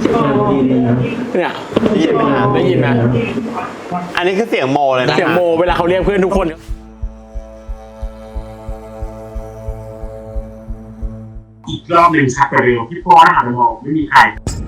เนี่ยได้ยินไหมได้ยินไหมอันนี้คือเสียงโมเลยนะเสียงโมเวลาเขาเรียกเพื่อนทุกคนอีกรอบหนึ่งชักไปเร็วพี่พ่อหันไปมองไม่มีใคร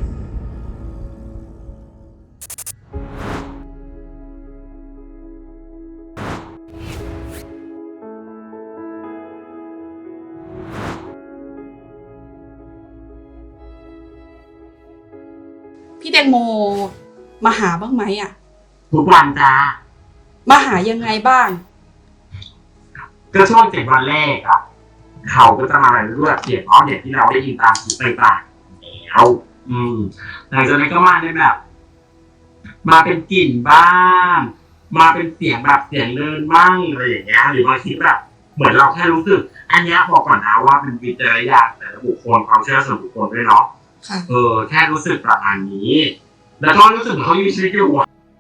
พี่แตงโมมาหาบ้างไหมอ่ะทุกวันจ้ามาหายังไงบ้างก็ช่วง7 วันแรกอ่ะเขาก็จะมาเรื่อยๆเสียงอ้อมอย่างที่เราได้ยินตามหูต่างๆแล้วหลังจากนั้นก็มาในแบบมาเป็นกลิ่นบ้างมาเป็นเสียงแบบเสียงเดินบ้างอะไรอย่างเงี้ยหรือบางทีแบบเหมือนเราแค่รู้สึกอันนี้บอกก่อนนะว่าเป็นวิจารณญาณแต่ละบุคคลความเชื่อส่วนบุคคลด้วยเนาะแค่รู้สึกประมาณนี้แล้วก็รู้สึกเขามีชีวิตอยู่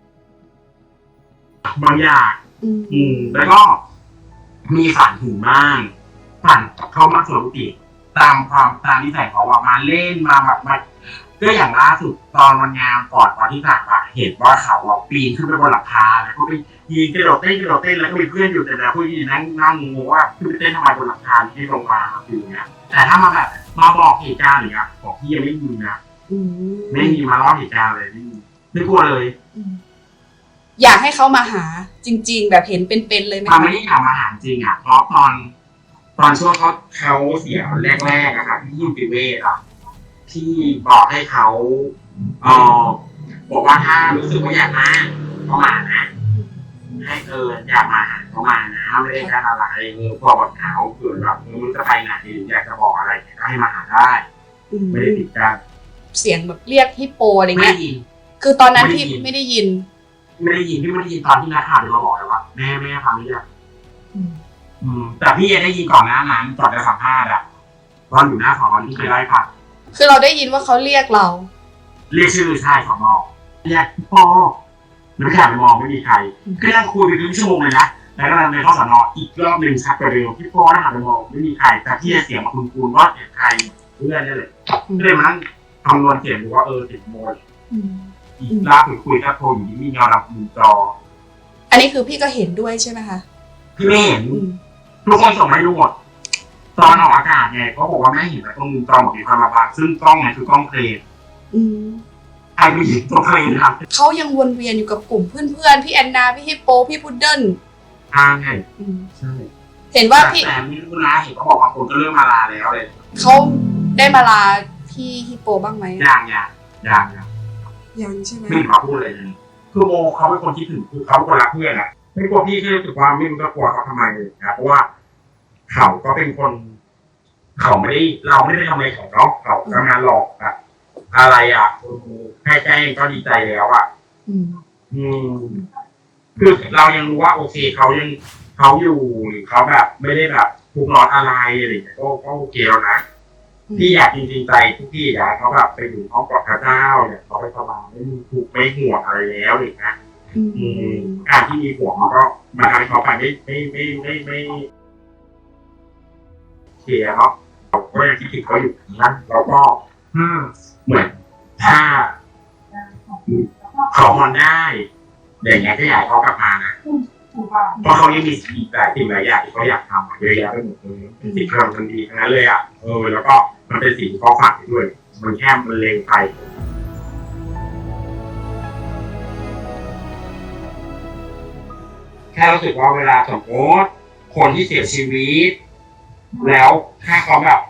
บางอย่างแล้วก็มีฝันถึงบ้างฝันเขามาสวมติตามนิสัยเขาว่ามาเล่นมาแบบมาก็อย่างล่าสุดตอนวันงานก่อนตอนที่ผ่านมาเห็นว่าเขาปีนขึ้นไปบนหลังคาแล้วก็ไปยืนกระโดดเต้นแล้วก็มีเพื่อนอยู่แต่ละผู้หญิงนั่งงงว่าขึ้นไปเต้นทำไมบนหลังคาที่ลงมาอยู่เนี้ยแต่ถ้ามาแบบมาบอกเหตุการณ์อย่างเงี้ยบอกพี่ยังไม่มีนะไม่มีมาเล่าเหตุการณ์เลยไม่กลัวเลยอยากให้เขามาหาจริงๆแบบเห็นเป็นๆเลยไหมคะไม่ได้อยากมาหาจริงอ่ะเพราะตอนช่วงเขาเสียแรกๆอะค่ะที่ยิมปิเวทอ่ะที่บอกให้เขาบอกว่าถ้ารู้สึกว่าอยากมาก็มานะให้อยากมาก็มานะไม่ได้การอะไรพอบอกเขาเกิดแบบมันจะไปไหนอยากจะบอกอะไรก็ให้มาหาได้ไม่ได้ติดกันเสียงแบบเรียกฮิปโปอะไรเงี้ยคือตอนนั้นพี่ไม่ได้ยินพี่ไม่ได้ยินตอนที่นักข่าวมาบอกเลยว่าแม่ฟังไม่ได้แต่พี่ได้ยินก่อนหน้านั้นก่อนจะสัมภาษณ์อะตอนอยู่หน้าสอนที่เคยไล่ค่ะคือเราได้ยินว่าเขาเรียกเราเรียกชื่อใช่สอนเรียกพ่อไม่ข่าวไปมองไม่มีใครก็นั่งคุยไปครึ่งชั่วโมงเลยนะแล้วก็ในข้อสอนอีกรอบหนึ่งชักไปเร็วพี่พ่อหันไปมองไม่มีใครแต่พี่เสียงมาคุณว่าเสียงใครเพื่อนนี่เลยก็เลยมานั่งคำนวณเสียงดูว่าติดโมดอีกลากคุยกับโทรอยู่ที่มีเงาดำมุมจออันนี้คือพี่ก็เห็นด้วยใช่ไหมคะพี่ไม่เห็นทุกคนส่งให้ดูหมดตอนออกอากาศไงเขาบอกว่าไม่เห็นแต่ตรงมุมจอมีความระบาดซึ่งกล้องไงคือกล้องเคลมใครไปหยิบตัวเคลมครับเขายังวนเวียนอยู่กับกลุ่มเพื่อนๆพี่แอนนาพี่ฮิปโปพี่พุดเดิ้ลใช่ใช่เห็นว่าพี่แต่ไม่รู้นะเห็นเขาบอกว่าคนก็เริ่มมาลาแล้วเลยเขาได้มาลาพี่ฮิปโปบ้างไหมยังใช่ไหมไม่มาพูดเลยคือโมเขาเป็นคนที่ถึงคือเขาเป็นคนรักเพื่อนอะไม่กลัวพี่แค่รู้สึกว่าไม่รู้จะกลัวเขาทำไมเลยนะเพราะว่าเขาก็เป็นคนเราไม่ได้ทำอะไรของเขาทำงานหลอกอะอะไรอะแค่แจ้งก็ดีใจแล้วอะคือเรายังรู้ว่าโอเคเขาอยู่หรือเขาแบบไม่ได้แบบทุกข์ร้อนอะไรอะไรอย่างเงี้ยก็โอเคแล้วนะพี่อยากจริงๆใจทุกที่อยากเขาแบบไปอยู่ห้องกับพระเจ้าเนี่ยเขาไปสบายไม่มีทุกข์ไม่ห่วงอะไรแล้วหรือนะการที่มีห่วงมันก็มาทำให้เขาไปไม่เสียเนาะเราก็ยังคิดถึงเขาอยู่นะแล้วก็เหมือนถ้าเขาฮอนได้อย่างเงี้ยก็อยากเขากลับมานะเพราะเขายังมีสิ่งหลายอย่างที่เขาอยากทำเยอะแยะไปหมดเลยเป็นสิ่งที่เราทำดีทั้งนั้นเลยอ่ะแล้วก็มันเป็นสิ่งที่เขาฝากไปด้วยมันแค่มันเลงไปแค่รู้สึกว่าเวลาสมมติคนที่เสียชีวิตแล้วถ้าเขาแบบ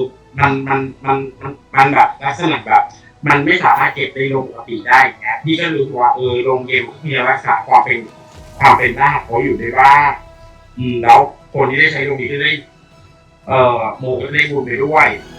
มันแบบลักษณะแบบมันไม่สามารถเก็บในโรงปกติได้ไงพี่ก็รู้ว่าโรงเกมที่รักษาความเป็นได้เขาอยู่ได้บ้างแล้วคนที่ได้ใช้โรงนี้ก็ได้โมก็ได้บุญไปด้วย